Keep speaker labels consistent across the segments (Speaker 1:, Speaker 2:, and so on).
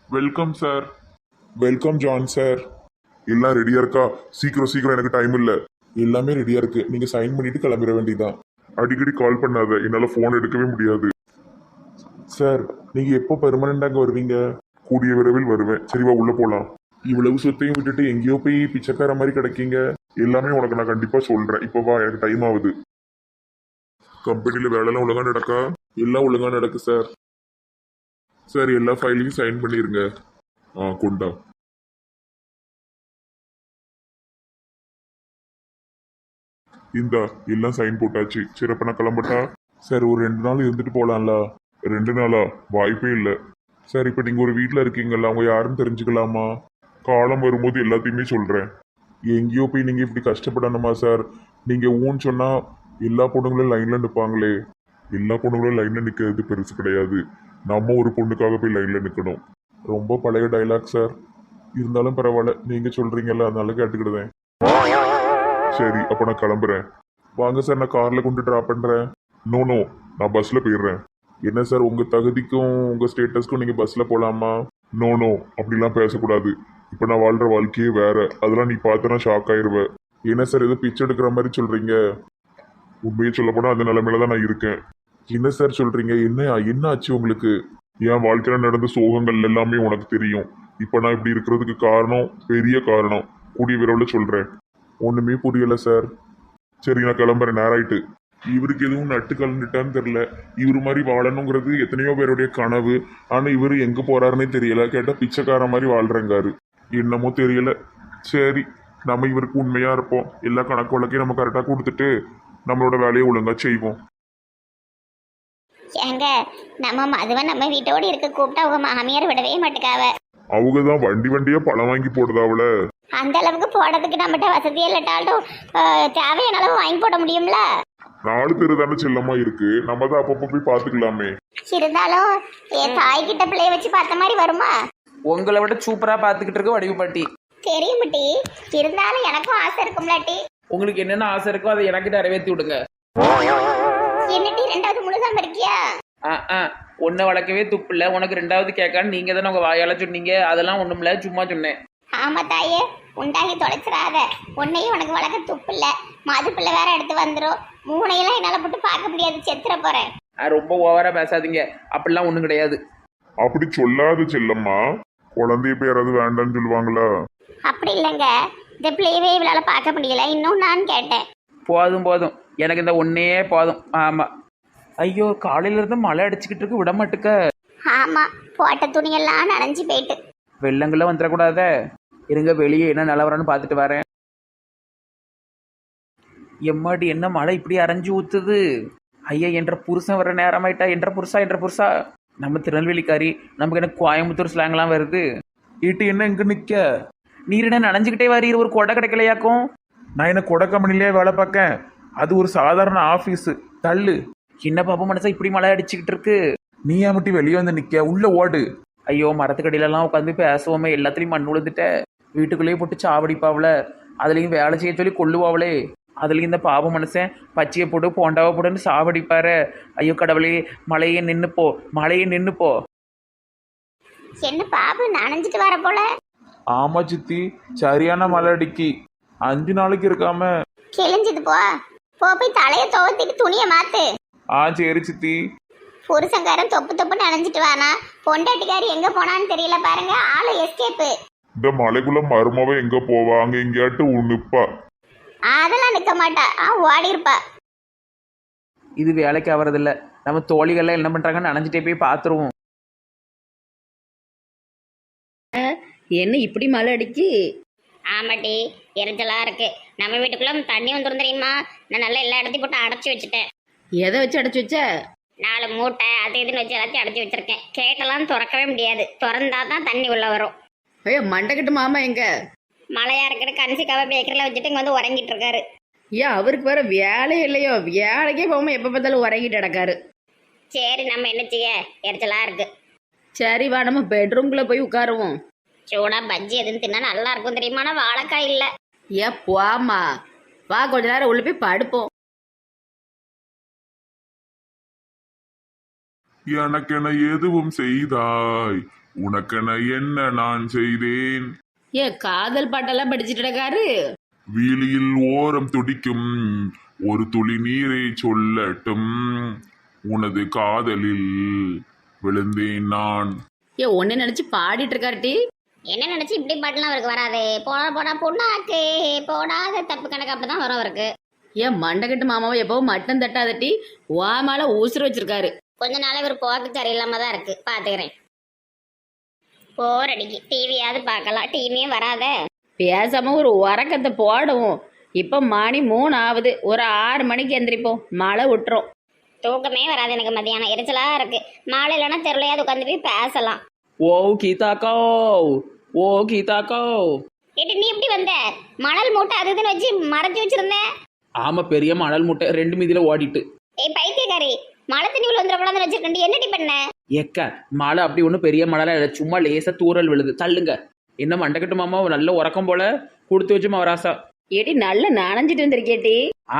Speaker 1: Welcome sir. Welcome John sir. எல்லாம் ரெடியா இருக்கா? சீக்கிரம் சீக்கிரம், எனக்கு டைம் இல்ல. எல்லாமே ரெடியா இருக்கு, நீங்க சைன் பண்ணிட்டு கிளம்பிட வேண்டியதான். அடிக்கடி கால் பண்ணாத, என்னால போன் எடுக்கவே முடியாது. சார், நீங்க எப்போ பெர்மனண்டாங்க வருவீங்க? கூடிய விரைவில் வருவேன். சரிவா, உள்ள போலாம். இவ்வளவு சொத்தையும் விட்டுட்டு எங்கேயோ போய் பிச்சைக்கார மாதிரி கிடைக்கீங்க. எல்லாமே உனக்கு நான் கண்டிப்பா சொல்றேன். இப்போ வா, எனக்கு டைம் ஆகுது. கம்பெனில வேலைலாம் ஒழுங்கா நடக்கா? எல்லாம் ஒழுங்கா நடக்கு சார். சார், எல்லா ஃபைலையும் சைன் பண்ணிருங்க. கொண்டா. இந்தா, எல்லாம் சைன் போட்டாச்சு. சரி, அப்ப நான் கிளம்பட்டா? சார், ஒரு 2 நாள் இருந்துட்டு போலாம்ல? 2 நாளா? வாய்ப்பே இல்லை. சார், இப்போ நீங்க ஒரு வீட்டில் இருக்கீங்கல்ல, அவங்க யாருன்னு தெரிஞ்சுக்கலாமா? காலம் வரும்போது எல்லாத்தையுமே சொல்றேன். எங்கேயோ போய் நீங்க இப்படி கஷ்டப்படணுமா சார்? நீங்க ஊன்னு சொன்னா எல்லா பொண்ணுங்களும் லைன்ல நிற்பாங்களே. எல்லா பொண்ணுங்களும் லைன்ல நிற்கிறது பெருசு கிடையாது. நம்ம ஒரு பொண்ணுக்காக போய் லைன்ல நிற்கணும். ரொம்ப பழைய டைலாக் சார். இருந்தாலும் பரவாயில்ல, நீங்க சொல்றீங்கல்ல, அதனால கேட்டுக்கிடுவேன். சரி, அப்ப நான் கிளம்புறேன். வாங்க சார், நான் கார்ல கொண்டு டிராப் பண்றேன். நோ நோ, நான் பஸ்ல போயிடுறேன். என்ன சார், உங்க தகுதிக்கும் உங்க ஸ்டேட்டஸ்க்கும் நீங்க பஸ்ல போலாமா? நோ நோ, அப்படிலாம் பேசக்கூடாது. இப்ப நான் வாழ்ற வாழ்க்கையே வேற. அதெல்லாம் நீ பார்த்தனா ஷாக் ஆயிருவ. என்ன சார், ஏதோ பிச்சை எடுக்கிற மாதிரி சொல்றீங்க? உண்மையை சொல்ல போனா அந்த நிலைமையில தான் நான் இருக்கேன். என்ன சார் சொல்றீங்க? என்ன ஆச்சு உங்களுக்கு? என் வாழ்க்கையில நடந்த சோகங்கள் எல்லாமே உனக்கு தெரியும். இப்ப நான் இப்படி இருக்கிறதுக்கு காரணம், பெரிய காரணம். கூடிய விரைவில் சொல்றேன். ஒண்ணுமே புரியல சார். சரி, நான் கிளம்புறேன், நேராயிட்டு. இவருக்கு எதுவும் நட்டு கலந்துட்டான்னு தெரியல. இவரு மாதிரி வாழணுங்கிறது எத்தனையோ பேருடைய கனவு. ஆனா இவரு எங்க போறாருன்னே தெரியல. கேட்டா பிச்சைக்கார மாதிரி வாழ்றங்காரு. என்னமோ தெரியல. சரி, நம்ம இவருக்கு உண்மையா இருப்போம். எல்லா கணக்கு வழக்கையும் நம்ம கரெக்டா கொடுத்துட்டு நம்மளோட வேலையை ஒழுங்கா செய்வோம்.
Speaker 2: ஏங்க, நம்ம மதுவை நம்ம வீட்டோடு இருக்க கூப்பிட்டா அவங்க மாமியார் விடவே மாட்டுக்காவ.
Speaker 1: அவங்க தான் வண்டி வண்டியா பழம் வாங்கி போடுதாவல.
Speaker 2: அந்த அளவுக்கு போடுறதுக்கு நம்மகிட்ட வசதியே இல்லாட்டாலும் தேவையான அளவு வாங்கி போட முடியும்ல.
Speaker 1: 4 தெரு தானே செல்லமா இருக்கு, நம்ம தான் அப்பப்போ போய் பாத்துக்கலாமே.
Speaker 2: இருந்தாலும் என் தாய் கிட்ட பிள்ளைய வச்சு பார்த்த மாதிரி வருமா?
Speaker 3: உங்களை விட சூப்பரா பாத்துக்கிட்டு இருக்க வடிவு பாட்டி.
Speaker 2: தெரியும் டி. இருந்தாலும் எனக்கும் ஆசை இருக்கும்ல டி.
Speaker 3: உங்களுக்கு என்னென்ன ஆசை இருக்கோ அதை எனக்கு நிறைவேற்றி விடுங்க.
Speaker 2: என்ன டி, 2வது முழுசாம இருக்கியா?
Speaker 3: ஒன்றை வளர்க்கவே துப்பு இல்லை, உனக்கு 2வது கேட்கான்னு நீங்க தானே உங்க வாயால சொன்னீங்க. அதெல்லாம் ஒண்ணுமில்ல, சும்மா சொன்னேன்.
Speaker 2: ஆமா தாயே, உண்டாகி தொலைச்சிடாத. உன்னையும் உனக்கு வளர்க்க துப்பு இல்ல, மது பிள்ளை வேற எடுத்து வந்துடும். 3ஐயெல்லாம் என்னால போட்டு பார்க்க முடியாது, செத்துற போறேன்.
Speaker 3: ரொம்ப ஓவரா பேசாதீங்க, அப்படிலாம் ஒண்ணும் கிடையாது.
Speaker 1: அப்படி சொல்லாத செல்லம்மா. குழந்தைய போய் யாராவது வேண்டாம்னு சொல்லுவாங்களா?
Speaker 2: அப்படி இல்லைங்க, இந்த பிள்ளையவே இவளால பார்க்க முடியல, இன்னும் நான் கேட்டேன்.
Speaker 3: போதும் போதும், எனக்கு இந்த ஒன்னே போதும். ஆமா. ஐயோ, காலையில இருந்து மழை அடிச்சுக்கிட்டு இருக்கு, விட மாட்டுக்க.
Speaker 2: ஆமா, போட்ட துணியெல்லாம் நனைஞ்சு போயிட்டு.
Speaker 3: வெள்ளங்கள்லாம் வந்துடக்கூடாத. இருங்க, வெளியே என்ன நிலவரன்னு பார்த்துட்டு வரேன். எம்மாடி, என்ன மழை இப்படி அரைஞ்சு ஊத்துது. ஐயா, என்ற புருஷன் வர நேரமாயிட்டா. என்ற புருஷா. நம்ம திருநெல்வேலிக்காரி, நமக்கு என்ன கோயம்புத்தூர் ஸ்லாங்லாம் வருது. ஈட்டு என்ன இங்க நிக்க? நீர் என்ன நனைஞ்சுக்கிட்டே வரீர், ஒரு கொடை கிடைக்கலையாக்கும்?
Speaker 1: நான் என்ன கொடை கம்பெனிலேயே வேலை பார்க்கேன்? அது ஒரு சாதாரண ஆபீஸ். தள்ளு.
Speaker 3: என்ன பாப்பா மனசா இப்படி மழை அடிச்சுக்கிட்டு இருக்கு?
Speaker 1: நீ ஏன் மட்டும் வெளியே வந்து நிக்க? உள்ள ஓடு.
Speaker 3: ஐயோ, மரத்துக்கடியிலலாம் உட்காந்து பேசுவோமே, எல்லாத்துலேயும் மண் விழுந்துட்ட. வீட்டுக்குள்ளேயே போட்டு சாவடிப்பாவல, அதுலேயும் வேலை செய்ய சொல்லி கொள்ளுவாவளே. அதுலேயும் இந்த பாவ மனுஷன் பச்சையை போட்டு போண்டாவை போட்டுன்னு சாவடிப்பாரு. ஐயோ கடவுளே, மழையே நின்னுப்போ.
Speaker 2: என்ன பாபு நனைஞ்சிட்டு வர போல?
Speaker 1: ஆமா சித்தி, சரியான மழை அடிக்கி. 5 நாளைக்கு இருக்காம.
Speaker 2: கிழிஞ்சது போ. போய் தலைய துவத்திட்டு துணிய மாத்து.
Speaker 1: சரி சித்தி.
Speaker 2: புருஷங்காரன் தொப்பு நனைஞ்சிட்டு வானா, பொண்டாட்டிக்காரி எங்க போனான்னு தெரியல பாருங்க. ஆளு எஸ்கேப்பு.
Speaker 1: இந்த மலைக்குள்ள மருமவ எங்க போவா? அங்க எங்கேயாட்டு நிப்பா.
Speaker 2: அதெல்லாம் நிக்க மாட்டா, ஓடி இருப்பா.
Speaker 3: இது வேலைக்கு ஆவறதில்ல. நம்ம தோழிகள்லாம் என்ன பண்றாங்கன்னு நனைஞ்சிட்டே போய் பார்த்துருவோம்.
Speaker 4: என்ன இப்படி மழை அடிக்கு?
Speaker 2: ஆமாட்டி, எரிச்சலா இருக்கு. நம்ம வீட்டுக்குள்ள தண்ணி வந்துரும் தெரியுமா? நான் நல்லா எல்லா இடத்தையும் போட்டு அடைச்சி வச்சுட்டேன்.
Speaker 4: எதை வச்சு அடைச்சு வச்ச?
Speaker 2: 4 மூட்டை அது இதுன்னு வச்சு எல்லாத்தையும் அடைச்சி வச்சிருக்கேன். கேட்டெல்லாம் திறக்கவே முடியாது, திறந்தா தான் தண்ணி உள்ள வரும்.
Speaker 4: ஐயோ, மண்டைக்கட்டு மாமா எங்க?
Speaker 2: மழையா இருக்கிற கன்சிக்காவை பேக்கரியில் வச்சுட்டு இங்கே வந்து உறங்கிட்டு இருக்காரு.
Speaker 4: ஏன் அவருக்கு வேற வேலை இல்லையோ? வேலைக்கே போகாம எப்ப பார்த்தாலும் உறங்கிட்டு கிடக்காரு.
Speaker 2: சரி, நம்ம என்ன செய்ய? எரிச்சலா இருக்கு.
Speaker 4: சரி வா, நம்ம பெட்ரூம்குள்ள போய் உட்காருவோம்.
Speaker 2: சூடா பஜ்ஜி எதுன்னு தின்னா நல்லா இருக்கும் தெரியுமா? ஆனால் வாழைக்காய் இல்லை.
Speaker 4: ஏன் போமா, வா கொஞ்ச நேரம் உள்ள போய் படுப்போம்.
Speaker 1: எனக்கென எதுவும் செய்தாய், உனக்கென என்ன நான் செய்தேன்.
Speaker 4: ஏன் காதல் பாட்டெல்லாம் படிச்சுட்டு இருக்காரு?
Speaker 1: வீலியில் ஓரம் துடிக்கும் ஒரு துளி நீரை சொல்லட்டும், உனது காதலில் விழுந்தேன் நான்.
Speaker 4: ஏன் ஒன்னு நினைச்சு பாடிட்டு இருக்காருட்டி?
Speaker 2: என்ன நினைச்சு இப்படி பாட்டுலாம் அவருக்கு வராது. போனா போனா பொண்ணாக்கு போடாத தப்பு கணக்கு அப்படிதான் வரும் அவருக்கு.
Speaker 4: ஏன் மண்டகட்டு மாமாவை எப்பவும் மட்டம் தட்டாதட்டி வாமால ஊசுறு வச்சிருக்காரு.
Speaker 2: கொஞ்ச நாள் இவர் போக்கு சரியில்லாம தான் இருக்கு. பாத்துக்கிறேன். போர் அடிக்கு. டிவியாவது பார்க்கலாம். டிவியும் வராத.
Speaker 4: பேசாம ஒரு உறக்கத்தை போடுவோம். இப்ப மணி 3 ஆகுது. ஒரு 6 மணிக்கு எந்திரிப்போம். மழை விட்டுரும்.
Speaker 2: தூக்கமே வராது எனக்கு. மதியானம் எரிச்சலா இருக்கு. மாலை இல்லைன்னா தெருலையாவது உட்காந்து போய் பேசலாம்.
Speaker 3: ஓ கீதாக்கோ, ஓ கீதாக்கோ.
Speaker 2: ஏட்டு நீ எப்படி வந்த? மணல் மூட்டை அது இதுன்னு வச்சு மறைச்சு வச்சிருந்தேன்.
Speaker 3: ஆமா, பெரிய மணல் முட்டை 2 மீதியில ஓடிட்டு.
Speaker 2: ஏய் பைத்தியக்காரி, மழை தண்ணி உள்ள வந்துடக்கூடாதுன்னு வச்சிருக்கேன். என்னடி பண்ண?
Speaker 3: ஏக்க மழை அப்படி ஒன்றும் பெரிய மழைலாம் இல்லை, சும்மா லேசா தூறல் விழுது. தள்ளுங்க. என்ன மண்டக்கட்டு மாமா நல்ல உறக்கம் போல கொடுத்து வச்சு மவராசா.
Speaker 4: ஏடி நல்லா நனைஞ்சிட்டு வந்திருக்கேட்டி.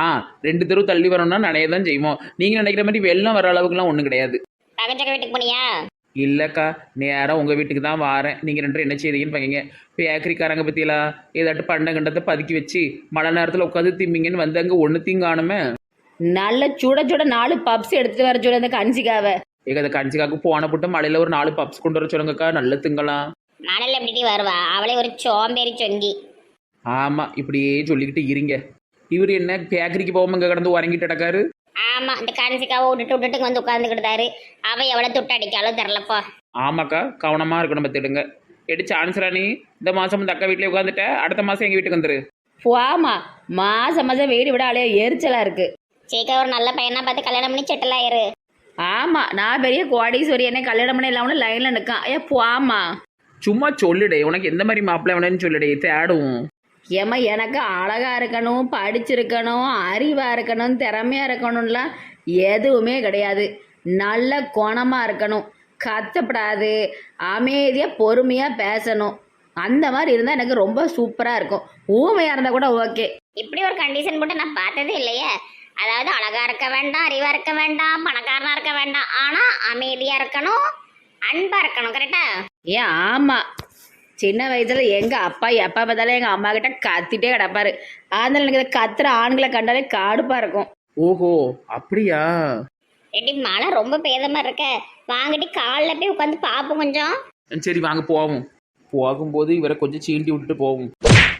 Speaker 3: 2 தெரு தள்ளி வரணும்னா நனைய தான் செய்வோம். நீங்க நினைக்கிற மாதிரி வெள்ளம் வர அளவுக்குலாம் ஒன்றும் கிடையாது.
Speaker 2: பக்கச்சக்க வீட்டுக்கு போனியா?
Speaker 3: இல்லைக்கா, நேராக உங்கள் வீட்டுக்கு தான் வாரேன். நீங்கள் 2 என்ன செய்றீங்கன்னு பாக்கீங்க. பேக்கரிக்காரங்க பற்றியெல்லாம் ஏதாட்டு பண்ட கண்டத்தை பதுக்கி வச்சு மழை நேரத்தில் உட்காந்து திம்பிங்கன்னு வந்து அங்கே ஒன்று தீங்காணுமே.
Speaker 4: நல்ல சுட சுட 4 பப்ஸ் எடுத்துட்டு வர சொல்ல அந்த கஞ்சிக்காவை.
Speaker 3: ஏக அதை கஞ்சிக்காக்கு போன போட்டு மழையில் ஒரு 4 பப்ஸ் கொண்டு வர சொல்லுங்கக்கா, நல்ல திங்கலாம்.
Speaker 2: மணல் எப்படி வருவா? அவளே ஒரு சோம்பேறி சொங்கி.
Speaker 3: ஆமாம், இப்படியே சொல்லிக்கிட்டு இருங்க. இவர் என்ன பேக்கரிக்கு போகாம இங்கே கடந்து உறங்கிட்டு கிடக்காரு?
Speaker 2: ஆமா, இந்த கன்சிக்காவை விட்டுட்டு வந்து உட்காந்துக்கிட்டாரு. அவ எவ்வளவு துட்டு அடிக்காலும் தெரிலப்பா.
Speaker 3: ஆமாக்கா, கவனமாக இருக்கணும் பார்த்துடுங்க. எடு சான்ஸ்ராணி, இந்த மாதம் இந்த அக்கா வீட்டிலே உட்காந்துட்ட, அடுத்த மாதம் எங்கள் வீட்டுக்கு வந்துரு.
Speaker 4: போமா, மாசம் மாசம் வீடு விட அலைய எரிச்சலா இருக்கு.
Speaker 2: சீக்கிரம் ஒரு நல்ல பையனா பார்த்து கல்யாணம் பண்ணி செட்டில் ஆயிரு.
Speaker 4: ஆமா, நான் பெரிய கோடீஸ்வரி, என்ன கல்யாணம் பண்ண இல்லாம லைன்ல நிற்கான். போமா,
Speaker 3: சும்மா சொல்லுடே, உனக்கு எந்த மாதிரி மாப்பிள்ளை வேணும்னு சொல்லுடே, தேடுவோம்.
Speaker 4: ஏமா எனக்கு அழகா இருக்கணும், படிச்சிருக்கணும், அறிவா இருக்கணும், திறமையா இருக்கணும்லாம் எதுவுமே கிடையாது. நல்ல குணமா இருக்கணும், கத்தப்படாது, அமைதியா பொறுமையா பேசணும். அந்த மாதிரி இருந்தா எனக்கு ரொம்ப சூப்பரா இருக்கும். ஊமையா இருந்தா கூட ஓகே.
Speaker 2: இப்படி ஒரு கண்டிஷன் போட்டு நான் பார்த்ததே இல்லையே. அதாவது அழகா இருக்க வேண்டாம், அறிவா இருக்க வேண்டாம், பணக்காரனா இருக்க வேண்டாம், ஆனா அமைதியா இருக்கணும், அன்பா இருக்கணும். கரெக்டா?
Speaker 4: ஏன் ஆமா, சின்ன வயசுல எங்க அப்பா எப்ப பார்த்தாலும் எங்க அம்மா கிட்ட கத்திட்டே கிடப்பாரு. அதனால எனக்கு இந்த கத்துற ஆண்களை கண்டாலே காடுப்பா இருக்கும்.
Speaker 3: ஓஹோ, அப்படியா?
Speaker 2: எடி மழை ரொம்ப பேதமா இருக்க. வாங்கிட்டு காலில் போய் உட்காந்து பார்ப்போம் கொஞ்சம்.
Speaker 3: சரி வாங்க போவோம். போகும்போது இவரை கொஞ்சம் சீண்டி விட்டுட்டு போவோம்.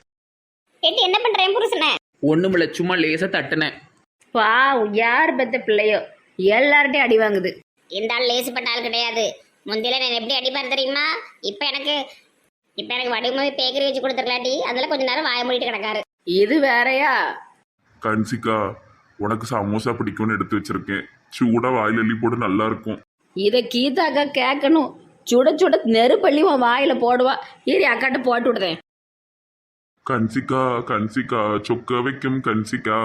Speaker 2: எடி என்ன பண்றேன் புருஷனை?
Speaker 3: ஒண்ணுமில்ல, சும்மா லேசா தட்டுனேன்.
Speaker 4: யார் பெத்த பிள்ளையோ எல்லார்ட்டையும் அடி வாங்குது.
Speaker 2: இந்த ஆள் லேசுப்பட்ட ஆள் கிடையாது. முந்தில நான் எப்படி அடிப்பார் தெரியுமா? இப்ப எனக்கு வடிவமாவே பேக்கரி வச்சு கொடுத்துருக்கலாட்டி அதில் கொஞ்ச நேரம் வாய மூடிட்டு கிடக்காரு.
Speaker 4: இது வேறயா?
Speaker 1: கன்சிகா, உனக்கு சமோசா பிடிக்கும்னு எடுத்து வச்சிருக்கேன். சூடா வாயில அள்ளி போட்டு நல்லா இருக்கும்.
Speaker 4: இதை கீதாக்கா கேட்கணும். சுட சுட நெருப்பள்ளி உன் வாயில போடுவா. ஏறி அக்காட்ட போட்டு விடுதேன்.
Speaker 1: கன்சிகா கன்சிகா, சொக்க வைக்கும் கன்சிகா.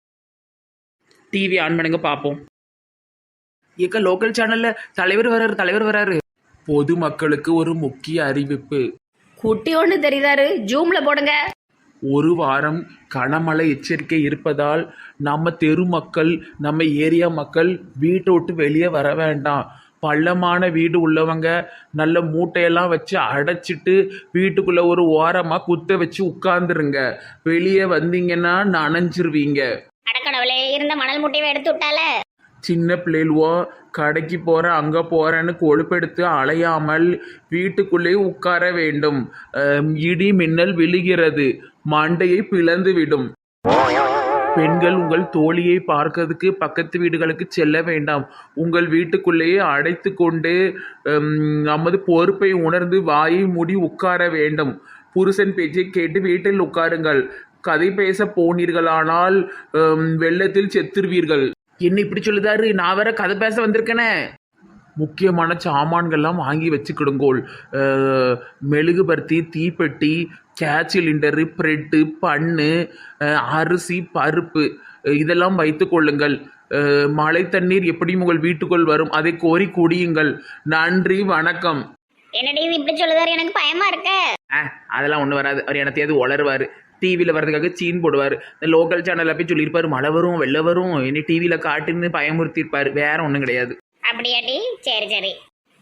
Speaker 3: டிவி ஆன் பண்ணுங்க பார்ப்போம். ஏக்கா, லோக்கல் சேனல்ல தலைவர் வராரு. பொதுமக்களுக்கு ஒரு முக்கிய அறிவிப்பு.
Speaker 4: குட்டி ஒன்று தெரியுதாரு, ஜூம்ல போடுங்க.
Speaker 3: ஒரு வாரம் கனமழை எச்சரிக்கை இருப்பதால் நம்ம தெரு மக்கள், நம்ம ஏரியா மக்கள் வீட்டை விட்டு வெளியே வர வேண்டாம். பள்ளமான வீடு உள்ளவங்க நல்ல மூட்டையெல்லாம் வச்சு அடைச்சிட்டு வீட்டுக்குள்ள ஒரு ஓரமாக குத்த வச்சு உட்கார்ந்துருங்க. வெளியே வந்தீங்கன்னா நனைஞ்சிருவீங்க.
Speaker 2: அடக்கடவுளே, இருந்த மணல் முட்டையை எடுத்து விட்டால.
Speaker 3: சின்ன பிள்ளைவோ கடைக்கு போகிறேன் அங்கே போகிறேன்னு கொழுப்பெடுத்து அலையாமல் வீட்டுக்குள்ளேயே உட்கார வேண்டும். இடி மின்னல் விழுகிறது, மண்டையை பிளந்து விடும். பெண்கள் உங்கள் தோழியை பார்க்கறதுக்கு பக்கத்து வீடுகளுக்கு செல்ல வேண்டாம். உங்கள் வீட்டுக்குள்ளேயே அடைத்து கொண்டு நமது பொறுப்பை உணர்ந்து வாயை மூடி உட்கார வேண்டும். புருஷன் பேச்சை கேட்டு வீட்டில் உட்காருங்கள். கதை பேச போனீர்களானால் வெள்ளத்தில் செத்துருவீர்கள். என்ன இப்படி சொல்லுதாரு? நான் வேற கதை பேச வந்திருக்கேனே. முக்கியமான சாமான்கள்லாம் வாங்கி வச்சுக்கிடுங்கோள். மெழுகுபர்த்தி, தீப்பெட்டி, கேஸ் சிலிண்டரு, ப்ரெட்டு, பண்ணு, அரிசி, பருப்பு இதெல்லாம் வைத்து கொள்ளுங்கள். மழை தண்ணீர் எப்படியும் உங்கள் வீட்டுக்குள் வரும், அதை கோரி குடியுங்கள். நன்றி, வணக்கம்.
Speaker 2: என்னடி இது இப்படி சொல்லுதாரு? எனக்கு பயமா இருக்க.
Speaker 3: அதெல்லாம் ஒன்றும் வராது. அவர் எனத்தையாவது உளருவார். டிவியில் வர்றதுக்காக சீன் போடுவார். இந்த லோக்கல் சேனலில் போய் சொல்லியிருப்பார் மழை வரும் வெள்ளை வரும், இனி டிவியில் காட்டுன்னு பயமுறுத்தியிருப்பார். வேற ஒன்றும் கிடையாது.
Speaker 2: அப்படியாடி? சரி சரி.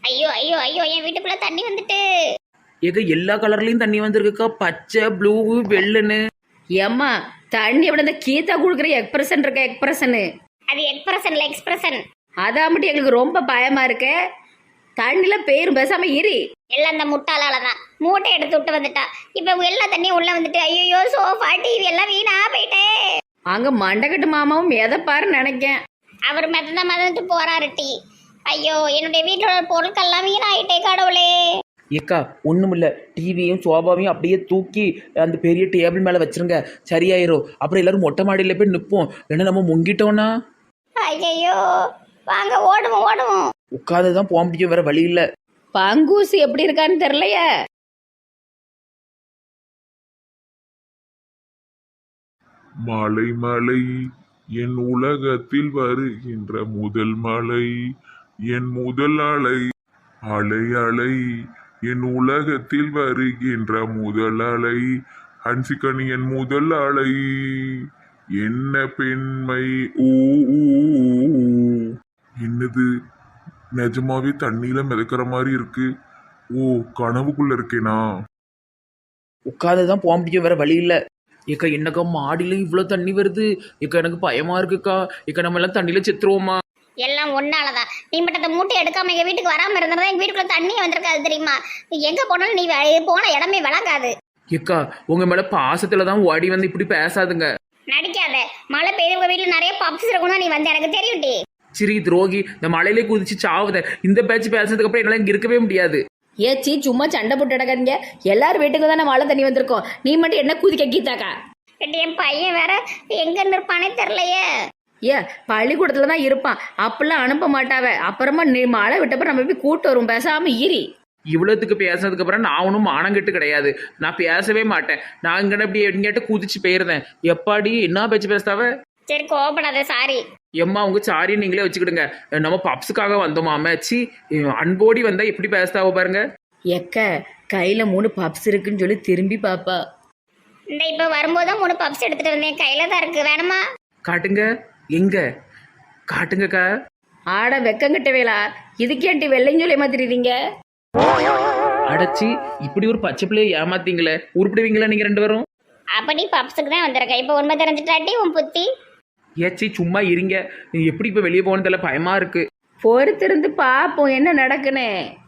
Speaker 2: ஐயோ ஐயோ ஐயோ என் வீட்டுக்குள்ள தண்ணி வந்துட்டு.
Speaker 3: ஏக்கா எல்லா கலர்லயும் தண்ணி வந்திருக்குக்கா, பச்சை ப்ளூ வெள்ளைன்னு.
Speaker 4: ஏம்மா தண்ணி எப்படி இந்த கீதா கொடுக்குற எக்ஸ்பிரஷன் இருக்க எக்ஸ்பிரஷனு
Speaker 2: அது எக்ஸ்பிரஷன்ல எக்ஸ்பிரஷன்.
Speaker 4: அதான் மட்டும் எங்களுக்கு ரொம்ப பயமா இருக்கு. தண்ணில பேரும் பேசாம இரு.
Speaker 2: எல்லாம் அந்த முட்டாளால தான் மூட்டை எடுத்து விட்டு வந்துட்டா. இப்ப எல்லா தண்ணியும் உள்ள வந்துட்டு ஐயோ சோஃபா டிவி எல்லாம் வீணா போயிட்டே.
Speaker 4: அங்க மண்டகட்டு மாமாவும் எதப்பாருன்னு நினைக்கேன்.
Speaker 2: அவர் மதந்துட்டு போறாரு டீ. ஐயோ என்னுடைய வீட்டோட பொருட்கள்லாம் வீணாயிட்டே கடவுளே.
Speaker 3: ஏக்கா ஒண்ணுமில்ல, டிவியும் சோபாவையும் அப்படியே தூக்கி அந்த பெரிய டேபிள் மேல வச்சிருங்க, சரியாயிரும். அப்புறம் எல்லாரும் மொட்டை மாடியில போய் நிப்போம், ஏன்னா நம்ம முங்கிட்டோம்னா.
Speaker 2: ஐயோ வாங்க ஓடுவோம் ஓடுவோம்.
Speaker 3: உட்காந்துதான் போக முடியும், வேற வழி இல்ல.
Speaker 4: பங்கூசு எப்படி இருக்கான்னு தெரியலையே.
Speaker 1: மலை மலை என் உலகத்தில் வருகின்ற முதல் மலை, என் முதல் அலை. அலை அலை என் உலகத்தில் வருகின்ற முதல் அலை. ஹன்சிகனி என் முதல் அலை. என்ன பெண்மை ஊ ஊ, ஊ. என்னது நிஜமாவே தண்ணியில மிதக்கிற மாதிரி இருக்கு. ஓ கனவுக்குள்ள இருக்கேனா?
Speaker 3: உட்காந்துதான் போக முடியும், வேற வழி இல்ல. ஏக்கா என்னக்கா மாடியில இவ்வளவு தண்ணி வருது, ஏக்கா எனக்கு பயமா இருக்குக்கா. ஏக்கா நம்ம எல்லாம் தண்ணியில செத்துருவோமா?
Speaker 2: எல்லாம் ஒன்னாலதான். நீ மட்டும் அந்த மூட்டை எடுக்காம எங்க வீட்டுக்கு வராம இருந்தா எங்க வீட்டுக்குள்ள தண்ணி வந்திருக்காது தெரியுமா? நீ எங்க போனாலும் நீ போன இடமே விளங்காது.
Speaker 3: ஏக்கா உங்க மேல பாசத்துலதான் ஓடி வந்து இப்படி பேசாதுங்க.
Speaker 2: நடிக்காத. மழை பெய்து உங்க வீட்டுல நிறைய பப்ஸ் இருக்கணும் நீ வந்து எனக்கு தெரியும் டி.
Speaker 3: சரி துரோகி, இந்த மலையிலே குதிச்சு சாவுத. இந்த பேச்சு பேசுறதுக்கு அப்புறம் என்னால இங்க இருக்கவே முடியாது.
Speaker 4: ஏச்சி சும்மா சண்டை போட்டு நடக்காதீங்க. எல்லாரும் வீட்டுக்கு தானே மழை தண்ணி வந்திருக்கோம். நீ மட்டும் என்ன குதிக்க கீதாக்கா?
Speaker 2: என் பையன் வேற எங்க நிற்பானே தெரியலையே.
Speaker 4: ஏ பள்ளிக்கூடத்துல தான் இருப்பான், அப்பெல்லாம் அனுப்ப மாட்டாவ. அப்புறமா நீ மழை விட்டப்ப நம்ம போய் கூட்டு வரும், பேசாம ஈரி.
Speaker 3: இவ்வளவுக்கு பேசுனதுக்கு அப்புறம் நான் ஒன்றும் மானங்கெட்டு கிடையாது, நான் பேசவே மாட்டேன். நான் இங்கே இப்படி எங்கிட்ட குதிச்சு போயிருந்தேன். எப்பாடி என்ன பேச்சு பேசுதாவ?
Speaker 2: சரி கோபப்படாத, சாரி.
Speaker 3: எம்மா உங்க சாரி நீங்களே வச்சுக்கிடுங்க. நம்ம பப்ஸுக்காக வந்தோமா சி, அன்போடி வந்தா எப்படி பேசுதாவோ பாருங்க.
Speaker 4: எக்க கையில 3 பப்ஸ் இருக்குன்னு சொல்லி திரும்பி பாப்பா.
Speaker 2: இந்த இப்ப வரும்போதுதான் 3 பப்ஸ் எடுத்துட்டு வந்தேன், கையில தான் இருக்கு, வேணுமா?
Speaker 3: காட்டுங்க, எங்க காட்டுங்கக்கா.
Speaker 4: ஆட வெக்கங்கிட்ட வேளா, இதுக்கேன்ட்டு வெள்ளையும் சொல்லி மாத்திருந்தீங்க.
Speaker 3: அடைச்சி இப்படி ஒரு பச்சை பிள்ளைய ஏமாத்தீங்களே, உருப்பிடுவீங்களா நீங்க 2 பேரும்?
Speaker 2: அப்ப நீ பப்ஸுக்கு தான் வந்திருக்க. இப்ப உண்மை தெரிஞ்சுட்டாட்டி உன் புத்தி.
Speaker 3: ஏச்சி சும்மா இருங்க, எப்படி இப்ப வெளியே போகணும் தெரியல, பயமா இருக்கு.
Speaker 4: பொறுத்திருந்து பாப்போம் என்ன நடக்குன்னு.